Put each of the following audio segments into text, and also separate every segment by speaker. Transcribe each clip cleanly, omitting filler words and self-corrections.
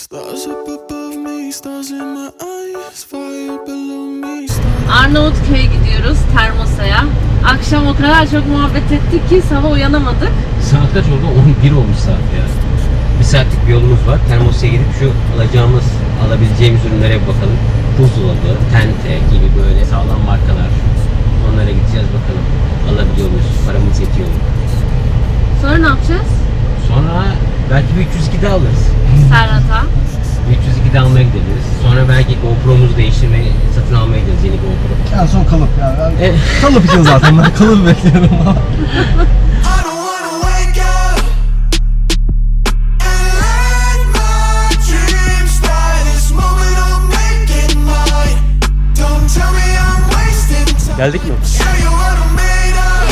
Speaker 1: Stars up above me, stars in my eyes, fire below me.
Speaker 2: Arnavutköy'e gidiyoruz, Termosa'ya. Akşam o kadar çok muhabbet ettik ki sabah uyanamadık.
Speaker 3: Saat kaç oldu? 11 olmuş saat ya. Bir saatlik bir yolumuz var. Termos'a gidip şu alabileceğimiz ürünlere bir bakalım. Buzdolabı, tente gibi böyle sağlam markalar. Onlara gideceğiz bakalım. Alabiliyor muyuz? Paramız yetiyor mu?
Speaker 2: Sonra ne yapacağız?
Speaker 3: Sonra belki bir 302 de alırız.
Speaker 2: Serhat'a.
Speaker 3: 302 de almaya gideriz. Sonra belki GoPro'muzu değiştirmeyi, satın almaya gideriz, yeni GoPro.
Speaker 4: En son kalıp yani. Kalıp için zaten ben kalıp bekliyorum.
Speaker 1: I don't wanna wake up and let my dreams fly. This moment I'm making mine. Don't tell me I'm wasting time.
Speaker 3: Geldik mi?
Speaker 1: Show you what I'm made of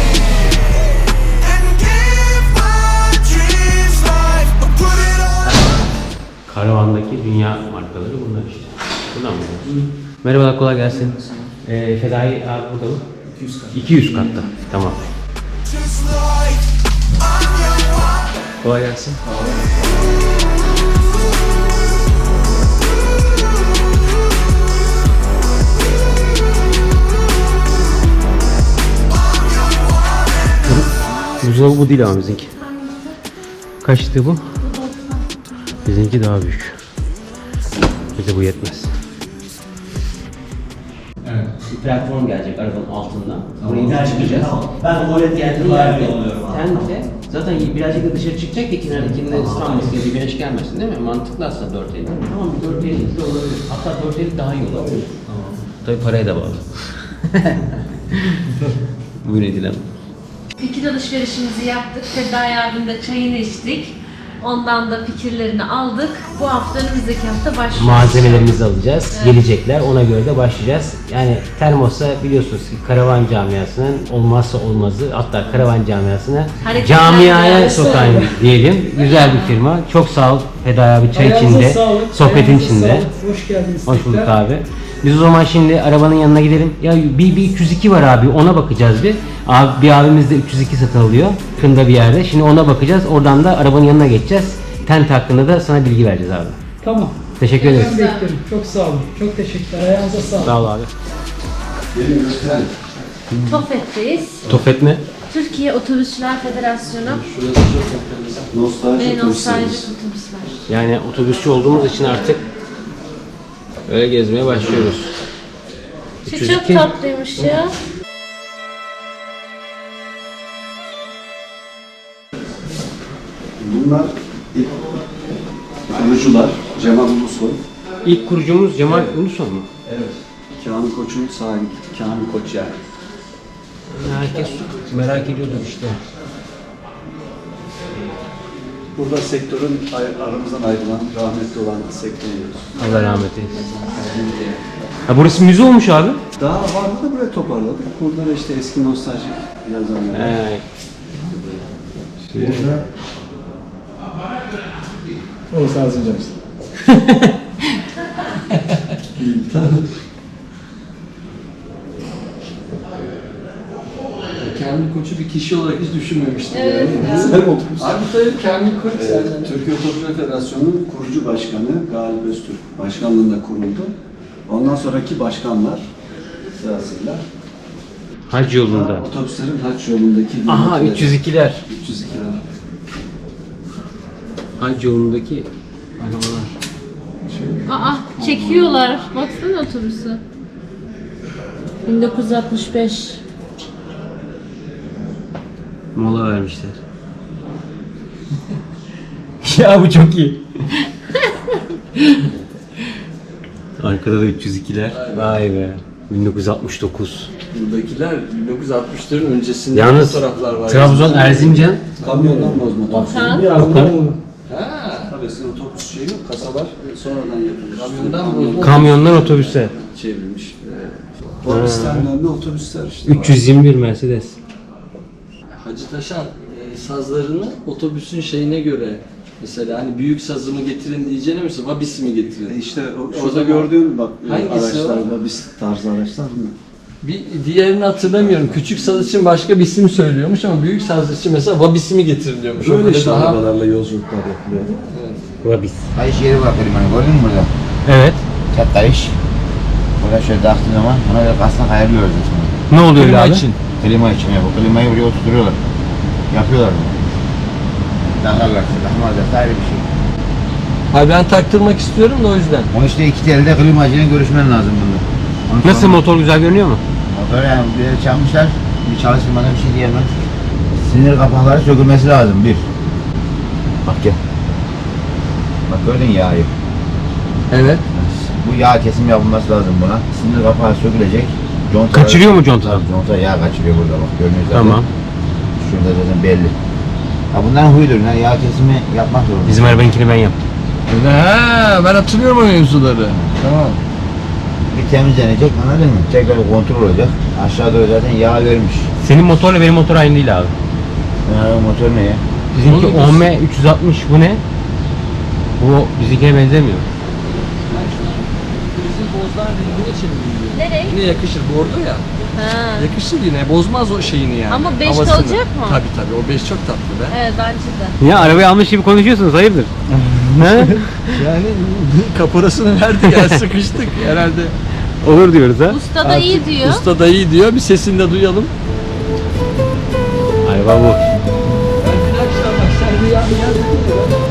Speaker 1: and give my dreams life. I put it all.
Speaker 3: Karavandaki dünya markaları bunlar işte. Bunlar mı? Merhabalar, kolay gelsin. Fedai abi burada mı? 200 katta. 200 katta. Tamam.
Speaker 1: Just like I'm your one.
Speaker 3: Kolay gelsin. Buzdolabı bu değil ama bizimki. Kaçtı bu? Bizimki daha büyük. Bize bu yetmez. Evet. Bir platform gelecek arabanın altından. Burayı daha çıkacağız. Ben tuvalet geldiğim yerde tente. Zaten birazcık da dışarı çıkacak ki kenardakinde ıslanmasın diye, güneş gelmesin değil mi? Mantıklı aslında 450. Tamam, bir 450 de olabilir. Hatta 450 daha iyi olabilir. Tamam. Tabii paraya da bağlı. Buyurun Edilem.
Speaker 2: Fikir alışverişimizi yaptık. Fedai abimle çayını içtik. Ondan da fikirlerini aldık. Bu hafta önümüzdeki hafta başlıyoruz.
Speaker 3: Malzemelerimizi alacağız. Evet. Gelecekler. Ona göre de başlayacağız. Yani Termos'a biliyorsunuz ki karavan camiasının olmazsa olmazı, hatta karavan camiasını camiaya sokan diyelim. Güzel bir firma. Çok sağ ol Fedai abi, çay içinde, sohbetin içinde.
Speaker 4: Hoş geldiniz.
Speaker 3: Hoş bulduk abi. Biz o zaman şimdi arabanın yanına gidelim. Ya bir 302 var abi, ona bakacağız bir. Abi, bir abimiz de 302 satın alıyor. Kında bir yerde. Şimdi ona bakacağız. Oradan da arabanın yanına geçeceğiz. Tent hakkında da sana bilgi vereceğiz abi.
Speaker 5: Tamam.
Speaker 3: Teşekkür ederiz.
Speaker 5: Ben beklerim. Çok sağ olun. Çok teşekkürler. Ayağınıza sağlık.
Speaker 3: Sağ ol abi.
Speaker 2: Tofet'teyiz.
Speaker 3: Tofet mi?
Speaker 2: Türkiye Otobüsçüler Federasyonu ve nostaljik otobüsler.
Speaker 3: Yani otobüsçü olduğumuz için artık öyle gezmeye başlıyoruz.
Speaker 2: Şu çok tatlıymış ya.
Speaker 6: Bunlar ilk kurucular Cemal Ulusoy.
Speaker 3: İlk kurucumuz Cemal Ulusoy mu?
Speaker 6: Evet. Kamil Koç'un sahibi. Kamil Koç yani.
Speaker 3: Herkes merak ediyordur işte.
Speaker 6: Burada sektörün aramızdan ayrılan, rahmetli olan sektörüyoruz.
Speaker 3: Allah rahmet eylesin. Ha, burası müze olmuş abi.
Speaker 6: Daha vardı da buraya toparladık. Burada da işte eski nostaljik yazanlar. Burada
Speaker 4: Orası Erzincan işte.
Speaker 7: Kamil Koç'u bir kişi olarak hiç düşünmemiştim.
Speaker 2: Evet.
Speaker 6: Sen otobüs.
Speaker 7: Abi tabii Kamil Koç zaten.
Speaker 6: Türkiye Otobüsçüler Federasyonu'nun kurucu başkanı Galip Öztürk başkanlığında kuruldu. Ondan sonraki başkanlar sırasıyla
Speaker 3: Hac yolunda.
Speaker 6: otobüslerin haç yolundaki
Speaker 3: Aha, 302'ler.
Speaker 6: 302'ler.
Speaker 3: Hac yolundaki arabalar.
Speaker 2: Aa, çekiyorlar. Baksana otobüsü. 1965.
Speaker 3: Mola vermişler. Ya bu çok iyi. Arkada da 302'ler. Vay be. 1969.
Speaker 7: Buradakiler 1960'ların öncesinde
Speaker 3: Yalnız
Speaker 7: fotoğraflar var.
Speaker 3: Trabzon, Erzincan.
Speaker 6: Kamyondan bozma otobüs.
Speaker 2: Okan.
Speaker 7: Ha,
Speaker 6: Tabii eskiden otobüs şeyi yok, kasalar sonradan yapılmış.
Speaker 7: Kamyondan bozma.
Speaker 3: Kamyondan otobüse.
Speaker 6: Çevrilmiş. Otobüsten dönme otobüsler işte.
Speaker 3: 321 Mercedes.
Speaker 7: Hacı Taşan sazlarını otobüsün şeyine göre, mesela hani büyük sazımı getirin diyeceğine mesela vabisi mi getirin?
Speaker 6: İşte
Speaker 7: O
Speaker 6: şurada
Speaker 7: zaman-
Speaker 6: gördüğün bak
Speaker 7: Hangisi o?
Speaker 6: araçlarda biz tarzı araçlar mı?
Speaker 7: Bir diğerini hatırlamıyorum. Küçük saz için başka bir isim söylüyormuş ama büyük saz için mesela vabisi mi getirin diyormuş. O
Speaker 6: Böyle
Speaker 7: böyle
Speaker 6: işte
Speaker 7: daha-
Speaker 6: arabalarla yolculuklar yapılıyor.
Speaker 7: Evet.
Speaker 3: Vabis.
Speaker 8: Kayış yeri var klimanın, gördün mü burada?
Speaker 3: Evet.
Speaker 8: Tek kayış. Burada şöyle taktığın zaman ona göre kastan ayarlıyoruz aslında.
Speaker 3: Ne oluyor
Speaker 8: Klima
Speaker 3: abi?
Speaker 8: için. Klima için ya, bu klimayı buraya oturtuyorlar. Yapıyorlar bunu. Takarlarsa, takmazlarsa ayrı bir şey.
Speaker 7: Hayır ben taktırmak istiyorum da o yüzden.
Speaker 8: O işte iki telde klimacıyla görüşmen lazım bunda. Onu
Speaker 3: Nasıl,
Speaker 8: sonra-
Speaker 3: motor güzel görünüyor mu?
Speaker 8: Motor yani bir yere çalmışlar, bir çalıştırmadan bir şey diyemem. Sinir kapakları sökülmesi lazım bir. Bak gel. Bak gördün yağı.
Speaker 7: Evet.
Speaker 8: Bu yağ kesim yapılması lazım buna. Sinir kapağı sökülecek. Contalar-
Speaker 3: Kaçırıyor mu contaları?
Speaker 8: Tabii, conta yağ kaçırıyor burada bak görünüyor zaten.
Speaker 3: Tamam.
Speaker 8: Şurada zaten belli. Ha bunların huyudur. Yani yağ kesimi yapmak zorunda.
Speaker 3: Bizim arabanınkini ben yaptım.
Speaker 7: He, ben hatırlıyorum o mevzuları. Tamam.
Speaker 8: Bir temizlenecek, anladın mı? Tekrar kontrol olacak. Aşağı doğru zaten yağ vermiş.
Speaker 3: Senin motorla benim motor aynı değil abi.
Speaker 8: Motor ne ya?
Speaker 3: Bizimki
Speaker 7: Oğlum,
Speaker 3: OM 360, bu ne? Bu bizimkine benzemiyor.
Speaker 7: Bizim bozdan rengine çeviriyor.
Speaker 2: Nereye?
Speaker 7: Yine yakışır. Bordo ya.
Speaker 2: Ha.
Speaker 7: Yakışır yine. Bozmaz o şeyini yani.
Speaker 2: Ama beş
Speaker 7: havasını.
Speaker 2: kalacak mı?
Speaker 7: Tabii o 5 çok tatlı be.
Speaker 2: Evet bence de.
Speaker 3: Ya arabayı almış gibi konuşuyorsunuz, hayırdır? Ne?
Speaker 7: Yani kaporasını verdi ya sıkıştık herhalde.
Speaker 3: Olur diyoruz ha.
Speaker 2: Usta da iyi diyor.
Speaker 7: Usta da iyi diyor. Bir sesini de duyalım.
Speaker 3: Araba bu.
Speaker 7: Ben bir akşam bak sen rüyanı yazdın ya.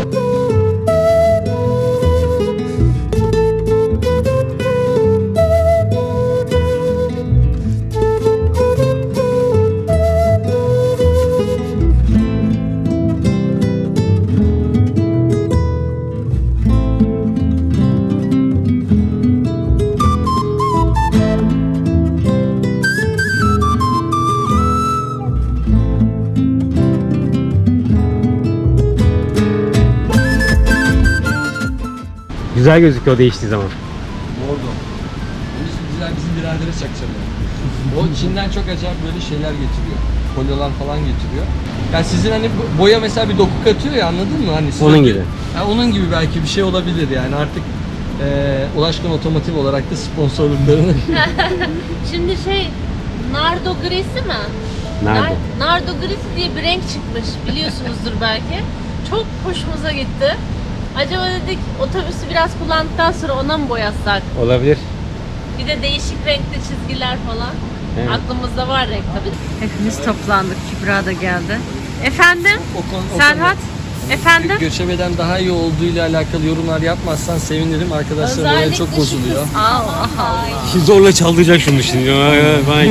Speaker 3: Güzel gözüküyor değiştiği zaman.
Speaker 7: Bordo. Güzel bizim biradere çakacağım yani. O Çin'den çok acayip böyle şeyler getiriyor. Kolyolar falan getiriyor. Yani sizin hani boya mesela bir doku katıyor ya, anladın mı? Hani
Speaker 3: Onun gibi.
Speaker 7: Yani onun gibi belki bir şey olabilir yani artık Ulaşkan Otomotiv olarak da sponsorluklarını
Speaker 2: Şimdi nardo grisi mi?
Speaker 3: Nerede?
Speaker 2: Nardo grisi diye bir renk çıkmış, biliyorsunuzdur belki. Çok hoşumuza gitti. Acaba dedik otobüsü biraz kullandıktan sonra ona mı boyasak?
Speaker 3: Olabilir.
Speaker 2: Bir de değişik renkli çizgiler falan.
Speaker 3: Evet.
Speaker 2: Aklımızda var renk tabii. Hepimiz toplandık. Kübra da geldi. Efendim? Serhat? Efendim?
Speaker 7: göçebeden daha iyi olduğuyla alakalı yorumlar yapmazsan sevinirim. Arkadaşlar böyle çok bozuluyor.
Speaker 2: Allah Allah.
Speaker 3: Zorla çaldıracak şunu şimdi. Vay.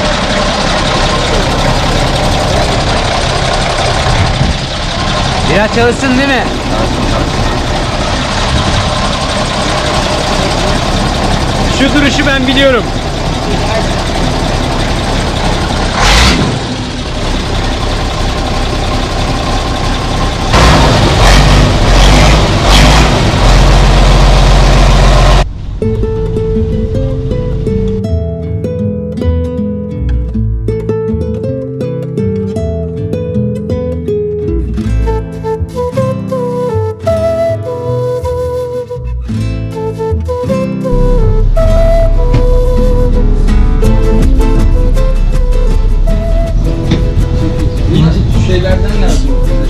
Speaker 3: Biraz çalışsın değil mi? Şu duruşu ben biliyorum.
Speaker 7: İnci şeylerden lazım.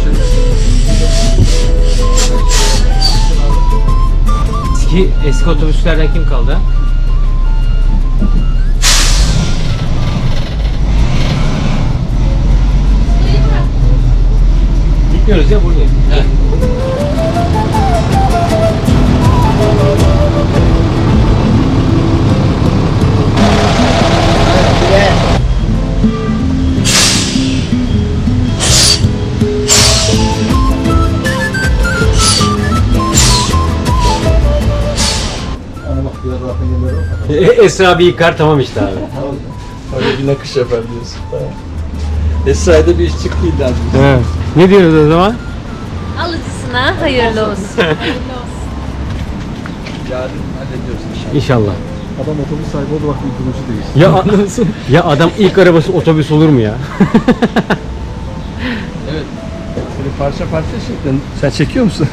Speaker 3: Eski otobüslerden kim kaldı? Gitmiyoruz ya, buradayım. Esra bir yıkar, tamam işte abi.
Speaker 7: Öyle bir nakış yapar diyorsun. Esra'da bir iş çıktı illa.
Speaker 3: Evet. Ne diyoruz o zaman?
Speaker 2: Alıcısına hayırlı olsun.
Speaker 7: Yarın hallediyoruz inşallah.
Speaker 3: İnşallah.
Speaker 4: Adam otobüs sahibi oldu bak bir kılıcı değil.
Speaker 3: Ya adam ilk arabası otobüs olur mu ya?
Speaker 7: Evet. Seni parça parça şeklinde. Sen çekiyor musun?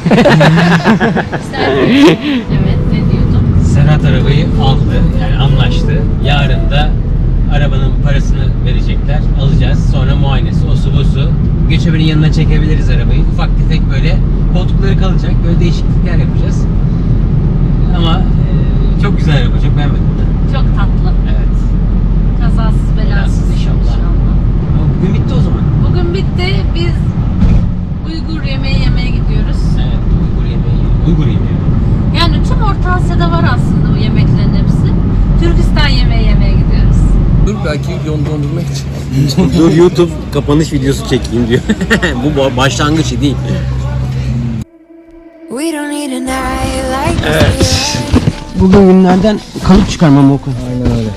Speaker 2: Evet, ne diyordum?
Speaker 3: Serhat arabayı aldı, yani anlaştı. Yarın da Arabanın parasını verecekler. Alacağız. Sonra muayenesi, osu busu. Göçebenin yanına çekebiliriz arabayı. Ufak tefek böyle koltukları kalacak. Böyle değişiklikler yapacağız. Ama çok güzel araba. Çok beğenmedim ben.
Speaker 2: Çok tatlı.
Speaker 3: Evet.
Speaker 2: Kazasız belasız
Speaker 3: inşallah. Ama bugün bitti o zaman.
Speaker 2: Bugün bitti. Biz Uygur yemeği yemeye gidiyoruz.
Speaker 3: Evet. Uygur yemeği.
Speaker 2: Yani tüm Orta Asya'da var aslında bu yemeklerin hepsi. Türkistan yemeği yemeye gidiyoruz.
Speaker 7: Dur belki yon dondurmak için.
Speaker 3: Dur YouTube kapanış videosu çekeyim diyor. Bu başlangıç değil.
Speaker 1: We don't need a night like this.
Speaker 3: Bugün günlerden kalıp çıkarmam okul.
Speaker 4: Aynen öyle.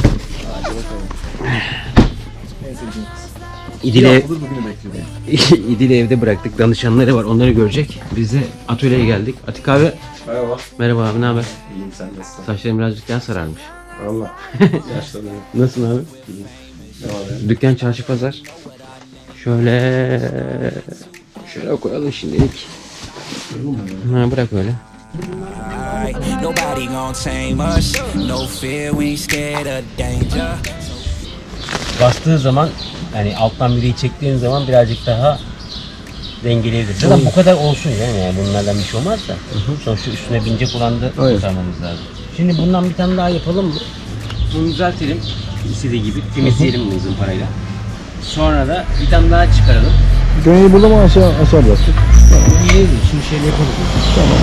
Speaker 3: İdil'e
Speaker 4: Bugünü bekliyorum.
Speaker 3: İdil'i evde bıraktık. Danışanları var. Onları görecek. Biz de atölyeye geldik. Atik abi.
Speaker 4: Merhaba.
Speaker 3: Merhaba abi, ne haber?
Speaker 4: İyiyim, sen nasılsın?
Speaker 3: Saçlarım birazcık daha sararmış.
Speaker 4: Valla. Yaşlandım.
Speaker 3: Nasılsın abi?
Speaker 4: Ne var ya?
Speaker 3: Dükkan, çarşı, pazar. Şöyle koyalım şimdilik. Ha, bırak öyle.
Speaker 1: Nobody gon' tame us. No fear, we ain't scared of danger.
Speaker 3: Bastığı zaman, yani alttan biriyi çektiğin zaman birazcık daha dengeleyebilir. Zaten bu kadar olsun yani bunlardan bir şey olmaz da. Sonuçta üstüne binecek olan da kurtarmamız lazım. Şimdi bundan bir tane daha yapalım mı? Bunu düzeltelim. İstediği gibi temizleyelim bunu zımparayla. Sonra da bir tane daha çıkaralım.
Speaker 4: Gönül'ü burada mı aşağı bıraktık?
Speaker 3: İyi, şimdi şöyle yapalım.
Speaker 4: Tamam.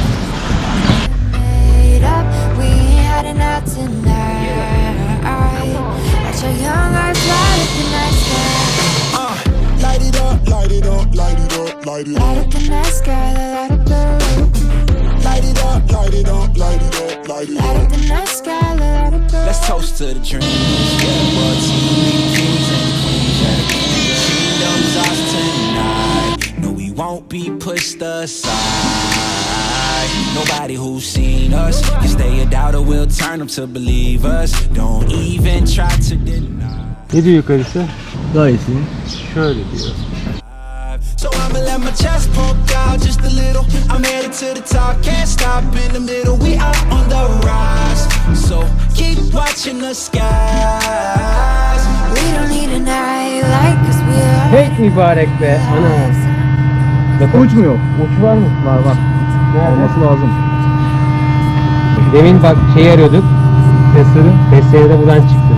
Speaker 1: Made up, we ain't heading out tonight. Watch our young eyes light up the night sky. Light it up, light it up, light it up, light it up. Light up the night sky, light up the roof. Light it up, light it up, light it up, light it up. Light up the night sky, light up the roof. Let's toast to the dreams, yeah, royalty, we the kings and queens, yeah. Kingdom's ours tonight. No, we won't be pushed aside. Nobody who's seen us can stay a doubter, we'll turn them to believers. Don't even try to deny.
Speaker 3: Ne diyor yukarısı?
Speaker 4: Gayet iyi.
Speaker 3: Şöyle diyor.
Speaker 1: So I'ma let my chest poke out just a little. I'm headed to the top, can't stop in the middle. We are on the rise, so keep watching the skies. We don't need a night like 'cause we're
Speaker 3: Pek mübarek be. Ana.
Speaker 4: Uç mu yok?
Speaker 3: Uç var mı?
Speaker 4: Var. Olması lazım.
Speaker 3: Demin bak şeyi arıyorduk. Testleri de buradan çıktı.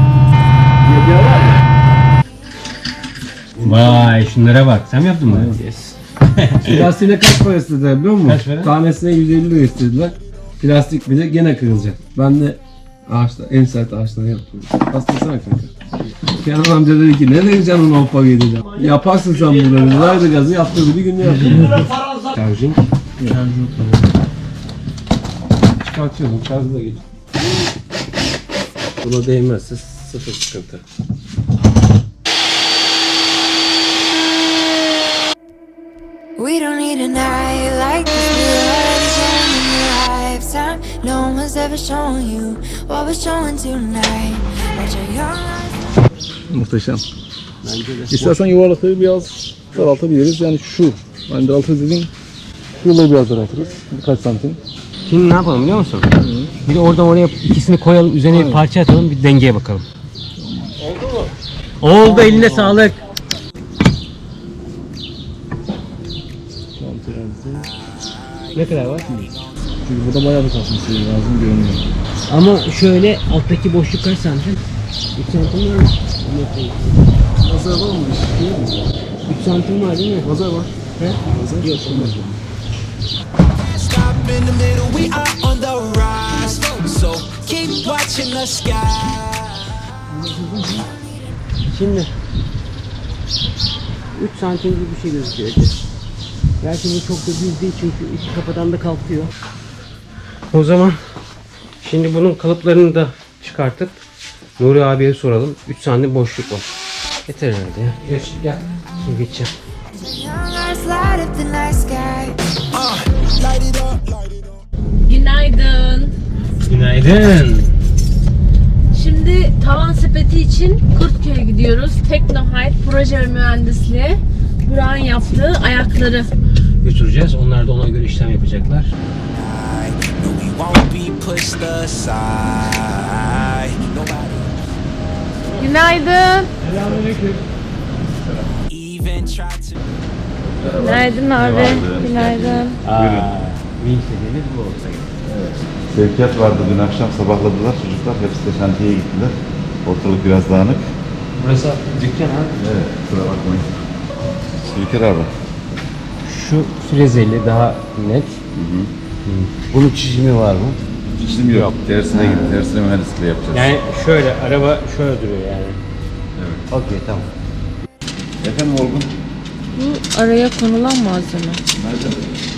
Speaker 3: Vay şunlara bak. Sen mi yaptın bunu? Yes.
Speaker 9: Plastiğine kaç para istediler biliyor musun?
Speaker 3: Kaç para?
Speaker 9: Tanesine 150 lira istediler. Plastik bile gene kırılacak. Ben de ağaçta, en sert ağaçları yaptım. Bastırsana kanka. Kenan amca dedi ki ne diyeceksin onu hoppa gideceğim. Yaparsın sen bunları. Verdi gazı yaptırdı bir günde yaptırdı.
Speaker 3: Charging.
Speaker 9: Çıkartıyorum şarjı da geç. Buna değmezse sıfır sıkıntı.
Speaker 1: We don't need a night like this. We're already shown in your lifetime. No one was ever showing you what we're showing tonight. Watch our young eyes.
Speaker 4: Muhteşem. İstersen yuvarlatayı biraz daraltabiliriz. Yani şu. Ben daraltırız dediğim şuraları biraz daraltırız. Birkaç santim.
Speaker 3: Şimdi ne yapalım biliyor musun? Bir de oradan oraya ikisini koyalım, üzerine bir parça atalım, bir dengeye bakalım. Oldu mu? Oldu, eline sağlık. Ne kadar var?
Speaker 4: Çünkü burada bayağı bir kasması lazım görünüyor.
Speaker 3: Ama şöyle alttaki boşluk kaç santim? 3 santim var mı?
Speaker 4: Pazar var mı?
Speaker 3: 3 santim var değil mi?
Speaker 4: Pazar var.
Speaker 3: He?
Speaker 4: Pazar yok.
Speaker 1: Stop in the middle, we are on the rise. So keep watching the sky.
Speaker 3: Şimdi 3 santim gibi bir şey gözüküyor. Belki bu çok da düz değil çünkü iki kafadan da kalkıyor. O zaman şimdi bunun kalıplarını da çıkartıp Nuri abiye soralım. 3 santim boşluk var. Yeter herhalde ya. Geç, gel. Şimdi geçeceğim.
Speaker 1: Young eyes light up the night sky. Light it up, light it up.
Speaker 2: Günaydın.
Speaker 3: Günaydın.
Speaker 2: Şimdi tavan sepeti için Kurtköy'e gidiyoruz. Teknohype proje ve mühendisliği. Burak'ın yaptığı ayakları
Speaker 3: Götüreceğiz. Onlar da ona göre işlem yapacaklar.
Speaker 1: No, we won't be pushed aside. Nobody.
Speaker 2: Günaydın. Günaydın abi. Günaydın.
Speaker 3: Vinç dediğimiz bu olsa gerek.
Speaker 8: Sevkiyat vardı dün akşam, sabahladılar çocuklar. Hepsi de şantiyeye gittiler. Ortalık biraz dağınık.
Speaker 3: Burası dükkan abi.
Speaker 8: Evet, kusura bakmayın. Sevkiyat abi.
Speaker 3: Şu frezeli daha net. Bunun çizimi var mı?
Speaker 8: Çizim yok. Tersine gidin. Tersine mühendisliği yapacağız.
Speaker 3: Yani şöyle, araba şöyle duruyor yani.
Speaker 8: Evet.
Speaker 3: Okey, tamam.
Speaker 8: Efendim Olgun?
Speaker 2: Bu araya konulan malzeme.
Speaker 8: Nerede?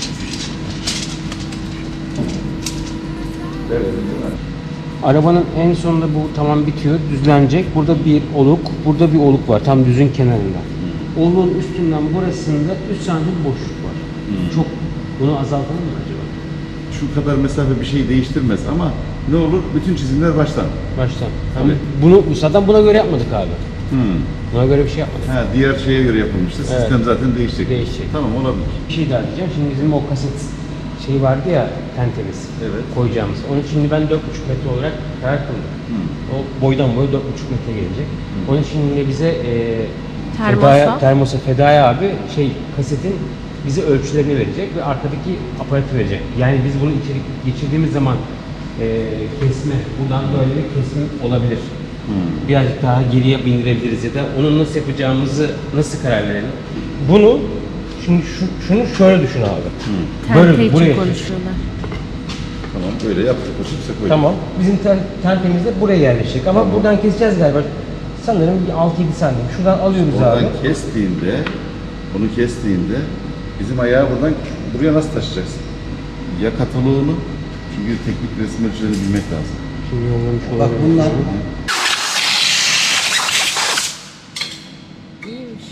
Speaker 3: Arabanın en sonunda bu tamam bitiyor, düzlenecek. Burada bir oluk, burada bir oluk var tam düzün kenarında. Oluğun üstünden burasında 3 santim boşluk var. Çok, bunu azaltalım mı acaba?
Speaker 8: Şu kadar mesafe bir şey değiştirmez ama ne olur bütün çizimler baştan.
Speaker 3: Baştan. Tabii. Bunu zaten buna göre yapmadık abi. Buna göre bir şey yapmadık.
Speaker 8: Ha, diğer şeye göre yapılmıştı.
Speaker 3: Evet.
Speaker 8: Sistem zaten değişecek.
Speaker 3: Değişecek.
Speaker 8: Tamam, olabilir.
Speaker 3: Bir şey daha diyeceğim. Şimdi bizim o kaset şey vardı ya, tentemiz.
Speaker 8: Evet.
Speaker 3: Koyacağımız. Onun için ben 4,5 metre olarak karar kıldım. O boydan boya 4,5 metre gelecek. Onun için yine bize termosa Fedaya abi kasetin bize ölçülerini verecek ve arkadaki aparatı verecek. Yani biz bunu içeri geçirdiğimiz zaman kesme, buradan böyle bir kesim olabilir. Birazcık daha geriye bindirebiliriz ya da onu nasıl yapacağımızı nasıl karar verelim. Bunu şimdi şunu şöyle düşün abi.
Speaker 2: Tente için konuşuyorlar.
Speaker 8: Tamam, böyle yaptık. Koşupsa koyduk.
Speaker 3: Tamam. Bizim tentemiz de buraya yerleşecek ama buradan keseceğiz galiba. Sanırım bir 6-7 santim. Şuradan alıyoruz
Speaker 8: Oradan
Speaker 3: abi.
Speaker 8: onu kestiğinde bizim ayağı buradan buraya nasıl taşıyacaksın? Ya kataloğunu, çünkü teknik resim ölçülerini bilmek lazım.
Speaker 3: Şimdi yollamış
Speaker 6: Bak
Speaker 3: olabilir.
Speaker 6: bunlar
Speaker 2: İyiymiş.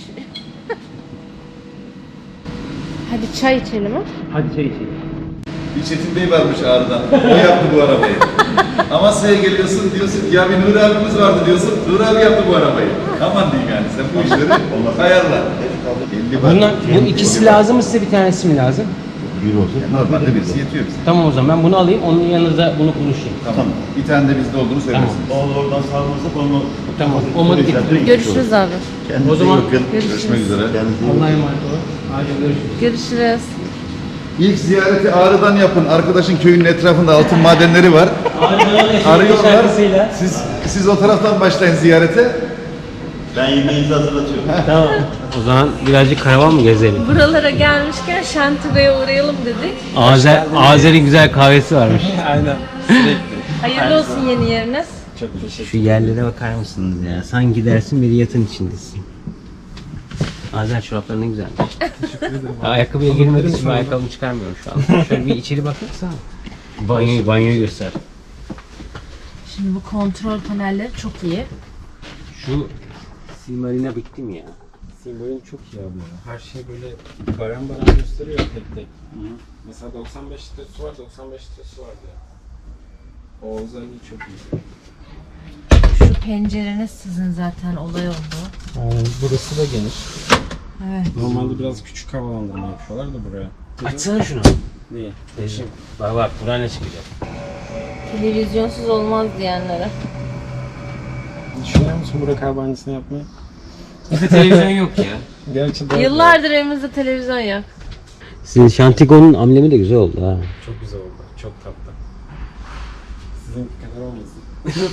Speaker 2: Hadi çay içelim ha.
Speaker 3: Hadi çay içelim.
Speaker 8: Bir Çetin Bey varmış Ağrı'dan. O yaptı bu arabayı. Amasya'ya geliyorsun diyorsun ki ya bir Nuri abimiz vardı diyorsun. Nuri abi yaptı bu arabayı. Aman diyeyim yani sen bu işleri ayarla.
Speaker 3: Bunlar, bu ikisi lazım mı size, bir tanesi mi lazım?
Speaker 8: Bir olsun. Normalde birisi yetiyor bize.
Speaker 3: Tamam, o zaman ben bunu alayım, onun yanında bunu konuşayım.
Speaker 8: Tamam. Bir tane de bizde olduğunu söylersiniz.
Speaker 10: Oradan sağlarsak onu...
Speaker 3: Tamam, olmadı ki.
Speaker 2: Görüşürüz abi.
Speaker 8: Kendinize
Speaker 3: O zaman
Speaker 8: iyi bakın.
Speaker 2: görüşürüz.
Speaker 8: Görüşmek üzere.
Speaker 3: Allah'a emanet olun. Hadi görüşürüz.
Speaker 2: Görüşürüz.
Speaker 8: İlk ziyareti Ağrı'dan yapın. Arkadaşın köyünün etrafında altın madenleri var. Arıyorlar. Siz o taraftan başlayın ziyarete.
Speaker 10: Ben yemeğinizi hazırlatıyorum.
Speaker 3: Tamam. O zaman birazcık karavan mı gezelim?
Speaker 2: Buralara gelmişken Şantigo'ya uğrayalım dedik.
Speaker 3: Azeri güzel kahvesi varmış.
Speaker 9: Aynen.
Speaker 2: Hayırlı olsun yeni yeriniz.
Speaker 3: Şu yerlere bakar mısınız ya? Sanki dersin bir yatın içindesin. Azer çorapları ne güzelmiş. Ayakkabıya girmediğim için ayakkabımı çıkarmıyorum şu an. Şöyle bir içeri bakırsan. Banyoyu göster.
Speaker 2: Şimdi bu kontrol panelleri çok iyi.
Speaker 3: Şu Silmarine bittim ya.
Speaker 9: Simbolün çok iyi abi ya. Her şey böyle baran gösteriyor tek tek. Mesela 95 litresi var, 95 litresi var ya. O özelliği çok iyi.
Speaker 2: Şu pencereniz sizin zaten olay oldu.
Speaker 9: Burası da geniş.
Speaker 2: Evet.
Speaker 9: Normalde biraz küçük havalandırma yapıyorlar da buraya.
Speaker 3: Açsana şunu.
Speaker 9: Niye?
Speaker 3: Bak buradan ne çıkacak?
Speaker 2: Televizyonsuz olmaz diyenlere.
Speaker 9: Düşünüyor musun Burak abi aynısını yapmayı?
Speaker 3: Bizde televizyon yok ya.
Speaker 9: Gerçi de
Speaker 2: Yıllardır evimizde televizyon yok.
Speaker 3: Sizin Şantigo'nun amblemi de güzel oldu ha.
Speaker 9: çok güzel oldu. Çok tatlı. Sizin kadar olmasın.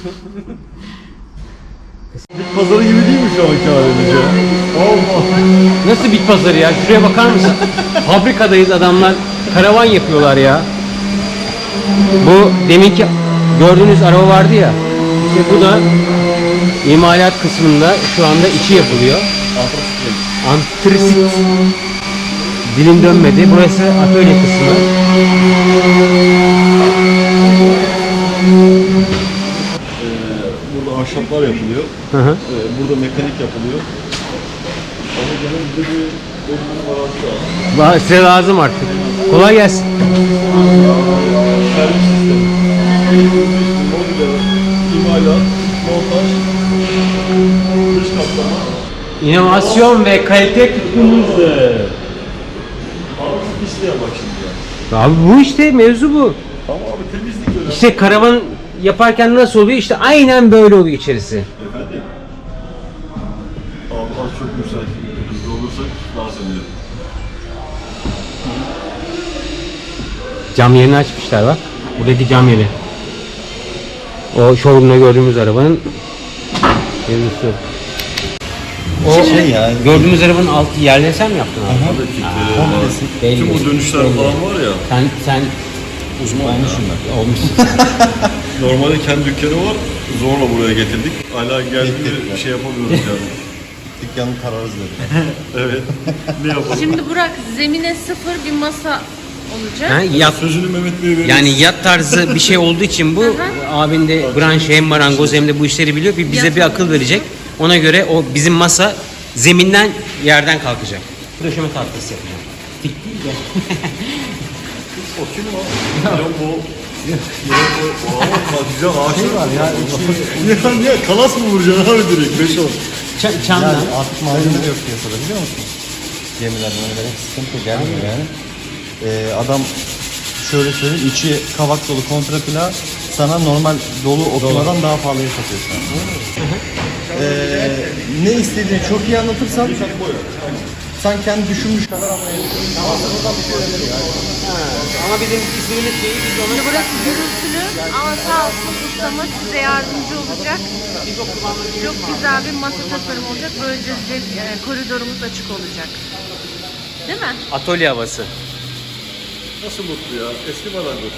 Speaker 8: Pazarı gibi değil mi şu anki halimiz ya?
Speaker 3: Nasıl bit pazarı ya? Şuraya bakar mısın? Fabrikadayız, adamlar karavan yapıyorlar ya. Bu deminki gördüğünüz araba vardı ya. İşte bu da imalat kısmında şu anda içi yapılıyor. Antrasit. Dilim dönmedi. Burası atölye kısmı.
Speaker 10: Burada ahşaplar yapılıyor.
Speaker 3: Hı hı.
Speaker 10: Burada mekanik yapılıyor. Ama gene bize bir bölümün arazi lazım.
Speaker 3: Size lazım artık. Kolay gelsin.
Speaker 10: Servis sistemi. Mobilya, imalat, montaj, dış kaplama.
Speaker 3: İnovasyon ve kalite tutkunuzdur.
Speaker 10: Abi isteyen bak şimdi ya.
Speaker 3: Abi bu işte mevzu bu.
Speaker 10: Ama abi temizlik öyle.
Speaker 3: İşte karavan yaparken nasıl oluyor? İşte aynen böyle oluyor içerisi.
Speaker 10: Efendim?
Speaker 3: Cam yerini açmışlar bak. Buradaki cam yeri. O showroom'da gördüğümüz arabanın görüntüsü. O gördüğümüz arabanın altı yerleri sen mi yaptın abi? Belli.
Speaker 10: Tüm bu dönüşler falan var ya.
Speaker 3: Sen
Speaker 10: Uzman ya.
Speaker 3: olmuşsun.
Speaker 10: Normalde kendi dükkanı var. Zorla buraya getirdik. Hala geldiğinde bir şey yapamıyoruz yani.
Speaker 8: Dükkanın kararız dedi.
Speaker 10: Evet. Ne yapalım?
Speaker 2: Şimdi Burak zemine sıfır bir masa olacak.
Speaker 3: Ha, yat,
Speaker 10: Sözünü Mehmet Bey'e veriyoruz.
Speaker 3: yani yat tarzı bir şey olduğu için bu abin de branşı hem marangoz hem de bu işleri biliyor. Bize bir akıl verecek. Ona göre o bizim masa zeminden yerden kalkacak. Döşeme tahtası yapacağım. Dik değil de.
Speaker 10: O kim o? Ya bu. Güzel ağaçlar var ya. Ya kalas mı vuracaksın abi direkt? 5-10.
Speaker 3: Çamdan.
Speaker 6: Artık malzeme de yok piyasada biliyor musun? Gemilerden öyle sıkıntı gelmiyor yani. Adam şöyle söyleyeyim, içi kavak dolu kontrapla sana normal dolu okumadan daha pahalıya satıyor şu an. Ne istediğini çok iyi anlatırsan sen kendi düşünmüş kadar anlayabilirsin.
Speaker 3: Ama bizim ismimiz değil, biz onu
Speaker 2: Burası gürültülü ama sağ olsun ustamız size yardımcı olacak. Çok güzel bir masa tasarımı olacak. Böylece koridorumuz açık olacak. Değil mi?
Speaker 3: atölye havası.
Speaker 10: Nasıl mutlu ya? Eski marangoz.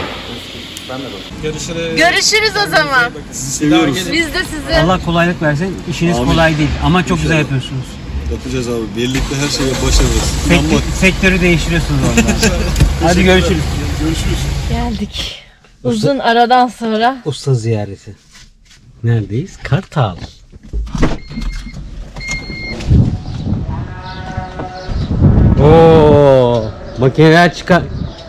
Speaker 2: Görüşürüz o zaman.
Speaker 10: Seviyoruz.
Speaker 2: Biz de sizi.
Speaker 3: Allah kolaylık versin. İşiniz kolay değil ama çok güzel yapıyorsunuz.
Speaker 10: Yapacağız abi. Birlikte her şeye başarırız.
Speaker 3: Sektörü değiştiriyorsunuz orada. Hadi görüşürüz.
Speaker 10: Görüşürüz.
Speaker 2: Geldik. Uzun aradan sonra.
Speaker 3: Usta ziyareti. Neredeyiz? Kartal. Oo, makineler çıkar.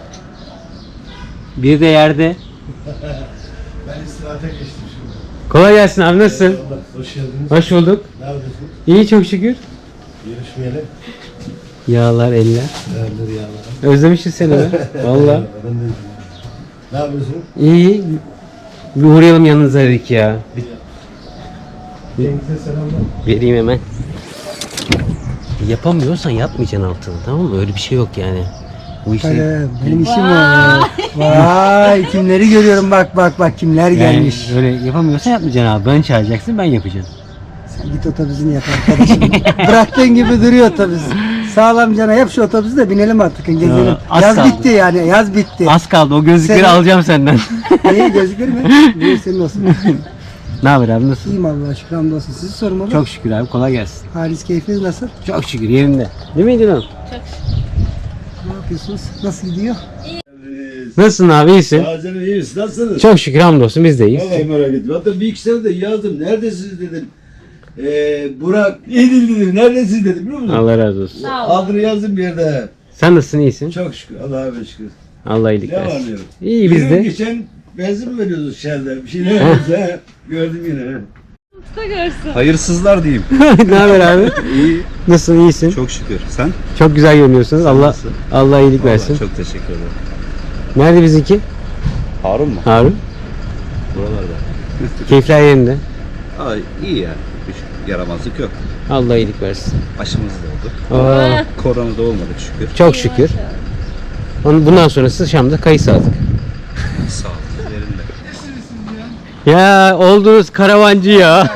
Speaker 3: Bir de yerde.
Speaker 10: Ben istirahate geçtim şimdi.
Speaker 3: Kolay gelsin abi, nasılsın?
Speaker 10: Hoş geldiniz.
Speaker 3: Hoş bulduk.
Speaker 10: Ne yapıyorsun?
Speaker 3: İyi çok şükür.
Speaker 10: Görüşmeyeli.
Speaker 3: Yağlar eller.
Speaker 10: Değerleri yağlar.
Speaker 3: Özlemişiz seni be. Valla.
Speaker 10: Ben de ne yapıyorsun?
Speaker 3: İyi. Bir uğrayalım yanınıza dedik ya.
Speaker 10: Cenk'e selamlar.
Speaker 3: Vereyim hemen. Yapamıyorsan yapmayacaksın altını, tamam mı? Öyle bir şey yok yani. Bu işi
Speaker 5: Benim işim var. Vay kimleri görüyorum bak kimler gelmiş.
Speaker 3: öyle yapamıyorsan yapmayacaksın abi. Ben çağıracaksın, ben yapacağım.
Speaker 5: Sen git otobüsünü yap arkadaşım. Bıraktığın gibi duruyor otobüs. Sağlam cana yap şu otobüsü de binelim artık gezelim.
Speaker 3: Ya, az
Speaker 5: Yaz
Speaker 3: kaldı.
Speaker 5: bitti yani yaz bitti.
Speaker 3: Az kaldı, o gözlükleri
Speaker 5: Sen-
Speaker 3: alacağım senden.
Speaker 5: İyi gözükür mü? Buyur senin olsun.
Speaker 3: Ne haber abi, nasılsın?
Speaker 5: İyiyim Allah'a şükür hamdolsun. Sizi sormalı.
Speaker 3: Çok şükür abi, kolay gelsin.
Speaker 5: Halis keyfiniz nasıl?
Speaker 3: Çok şükür yerinde. Değil miydi lan?
Speaker 5: Ne yapıyorsunuz? Nasıl gidiyor?
Speaker 3: Nasılsın abi, iyisin?
Speaker 10: Canım iyiyiz. Nasılsınız?
Speaker 3: Çok şükür hamdolsun, biz de iyiyiz.
Speaker 10: Vallahi merak ettim. Hatta bir iki sene de yazdım. Neredesiniz dedim. Burak iyi dedim. Neredesiniz dedim biliyor musun?
Speaker 3: Allah razı olsun.
Speaker 10: Adını yazdım bir yerde.
Speaker 3: Sen nasılsın, iyisin?
Speaker 10: Çok şükür. Allah'a şükür.
Speaker 3: Allah iyilik
Speaker 10: Ne var
Speaker 3: versin.
Speaker 10: diyorum.
Speaker 3: İyi biz de.
Speaker 10: Geçen benzin mi veriyoruz Shell'de? Bir şeyler veriyoruz ha. Gördüm yine.
Speaker 2: Usta görsün.
Speaker 6: Hayırsızlar diyeyim.
Speaker 3: Ne haber abi?
Speaker 6: İyi.
Speaker 3: Nasılsın, iyisin?
Speaker 6: Çok şükür. Sen?
Speaker 3: Çok güzel görünüyorsunuz. Allah
Speaker 6: nasılsın?
Speaker 3: Allah iyilik versin.
Speaker 6: Çok teşekkür ederim.
Speaker 3: Nerede bizimki?
Speaker 6: Harun mu?
Speaker 3: Harun.
Speaker 6: Buralarda.
Speaker 3: Keyifler yerinde.
Speaker 6: Ay iyi ya. Hiç yaramazlık yok.
Speaker 3: Allah iyilik versin.
Speaker 6: Aşımız da oldu.
Speaker 3: Aa,
Speaker 6: Korona da olmadık şükür.
Speaker 3: çok şükür. Bundan sonrası Şam'da kayısı aldık.
Speaker 6: Sağ ol. Üzerinde.
Speaker 3: Ya oldunuz karavancı ya.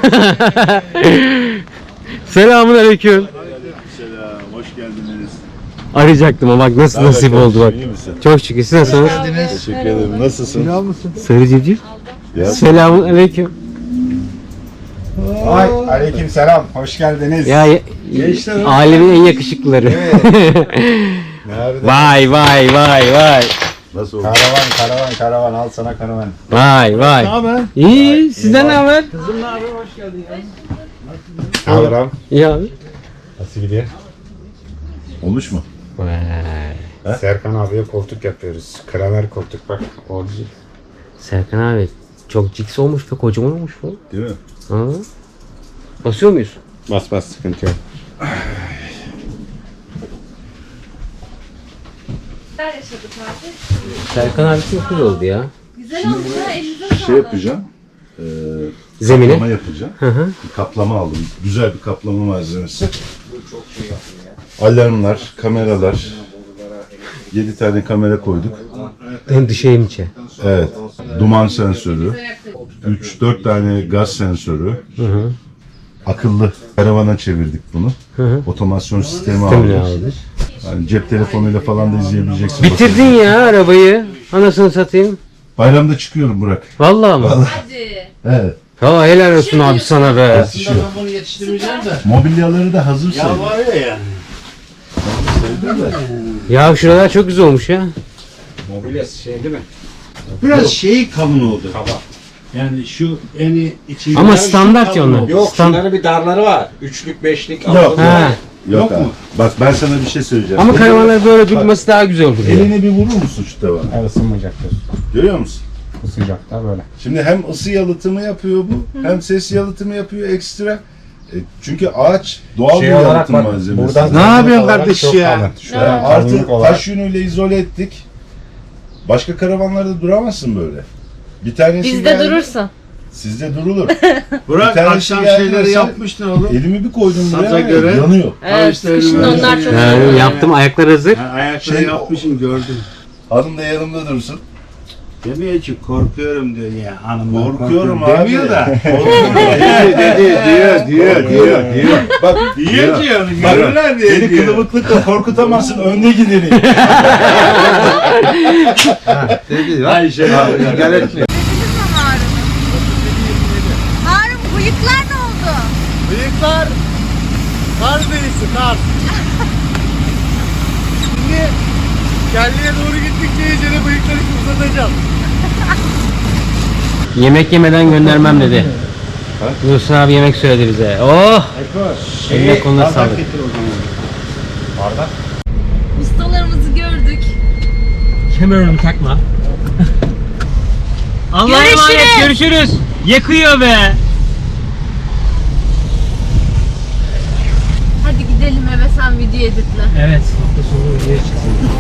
Speaker 3: Selamun aleyküm.
Speaker 10: Selam. Hoş geldiniz.
Speaker 3: Arayacaktım ama bak nasıl nasip oldu bak.
Speaker 10: İyi misin?
Speaker 3: Çok şükür. Siz nasılsınız?
Speaker 10: Teşekkür ederim. Nasılsın?
Speaker 3: Sarı civciv.
Speaker 10: Ya.
Speaker 3: Selamun aleyküm.
Speaker 11: Ay, aleyküm selam. Hoş geldiniz.
Speaker 3: Ya
Speaker 10: Gençler.
Speaker 3: alemin en yakışıklıları.
Speaker 11: Nerede?
Speaker 3: Vay vay vay vay.
Speaker 10: Nasıl oldu?
Speaker 11: Karavan. Al sana karavan.
Speaker 3: Vay vay.
Speaker 10: Ne haber?
Speaker 3: İyi. Sizden ne haber?
Speaker 11: Ne haber abi?
Speaker 3: İyi abi.
Speaker 11: Nasıl gidiyor?
Speaker 10: Olmuş mu?
Speaker 11: Serkan abiye koltuk yapıyoruz. Kramer koltuk bak. Orijinal.
Speaker 3: Serkan abi çok ciks olmuş ve kocaman olmuş bu.
Speaker 10: Değil mi?
Speaker 3: Ha. Basıyor muyuz?
Speaker 11: Bas sıkıntı yok.
Speaker 2: Neler yaşadık abi?
Speaker 3: Serkan abi çok güzel oldu ya.
Speaker 2: Güzel oldu ya, elinize sağlık.
Speaker 8: Şey yapacağım.
Speaker 3: Zemine.
Speaker 8: Kaplama yapacağım. Bir kaplama aldım. Güzel bir kaplama malzemesi. Alarmlar, kameralar, 7 tane kamera koyduk.
Speaker 3: Hem dışı hem içe.
Speaker 8: Evet. Duman sensörü. 3-4 tane gaz sensörü. Akıllı karavana çevirdik bunu. Otomasyon sistemi aldık. Yani cep telefonuyla falan da izleyebileceksin.
Speaker 3: Bitirdin ya arabayı. Anasını satayım.
Speaker 8: Bayramda çıkıyorum Burak.
Speaker 3: Vallahi mı?
Speaker 8: Evet.
Speaker 3: Ya helal olsun abi sana be.
Speaker 10: Bunu yetiştirmeyeceğim de.
Speaker 8: Mobilyaları da hazır sayılır.
Speaker 10: Var ya yani.
Speaker 3: Ya şuralar çok güzel olmuş ya.
Speaker 10: Mobilyası şey değil mi? Biraz şeyi kalın oldu. Kaba. Yani şu eni içinde.
Speaker 3: Ama standart ya onlar.
Speaker 10: Yok şunların bir darları var. Üçlük, beşlik.
Speaker 8: Yok.
Speaker 3: Ha.
Speaker 8: Yok mu? Bak ben sana bir şey söyleyeceğim.
Speaker 3: Ama karavanlar böyle durması daha güzel olur.
Speaker 8: Elini bir vurur musun şu tavana?
Speaker 11: Evet, ısınmayacaktır.
Speaker 8: Görüyor musun?
Speaker 11: Isınacaklar böyle.
Speaker 8: Şimdi hem ısı yalıtımı yapıyor bu, hem ses yalıtımı yapıyor ekstra. Çünkü ağaç doğal bir yalıtım malzemesi.
Speaker 11: Buradan
Speaker 10: Ne yapıyorsun kardeş ya?
Speaker 8: Artı taş yünüyle izole ettik. Başka karavanlarda duramazsın böyle. Bir tanesi
Speaker 2: Bizde
Speaker 8: geldi,
Speaker 2: durursun.
Speaker 8: Sizde durulur.
Speaker 10: Burak
Speaker 8: Bir tanesi
Speaker 10: akşam
Speaker 8: geldi
Speaker 10: şeyleri
Speaker 8: mesela,
Speaker 10: yapmıştın oğlum.
Speaker 8: Elimi bir koydum
Speaker 10: Saza
Speaker 8: buraya,
Speaker 10: göre.
Speaker 8: yanıyor.
Speaker 2: Evet, kışın onlar çok
Speaker 3: Yaptım, ayaklar hazır.
Speaker 10: Ayakları yapmışım gördüm.
Speaker 8: Hanım da yanımda dursun.
Speaker 10: Demiyor ki korkuyorum diyor ya hanım.
Speaker 8: Korkuyorum abi.
Speaker 10: Demiyor da.
Speaker 8: Korkuyorum. diyor. Bak
Speaker 10: Diyor ki onu
Speaker 8: Bak,
Speaker 10: görürler diye
Speaker 8: beni
Speaker 10: diyor.
Speaker 8: kılıbıklıkla korkutamazsın, önde gidelim.
Speaker 10: Dedi ay şey abi.
Speaker 2: Harun bıyıklar ne oldu?
Speaker 10: Bıyıklar kar derisi kar. Şimdi kelleye doğru gittikçe iyicene bıyıkları uzatacağım.
Speaker 3: Yemek yemeden göndermem dedi. Yusuf abi yemek söyledi bize. Oh! Eline koluna sağlık.
Speaker 2: Ustalarımızı gördük.
Speaker 3: Kemerimi takma. Allah'a emanet, görüşürüz. Yakıyor be.
Speaker 2: Hadi gidelim eve, sen video editle.
Speaker 3: Evet, hafta sonu videoya çıksın.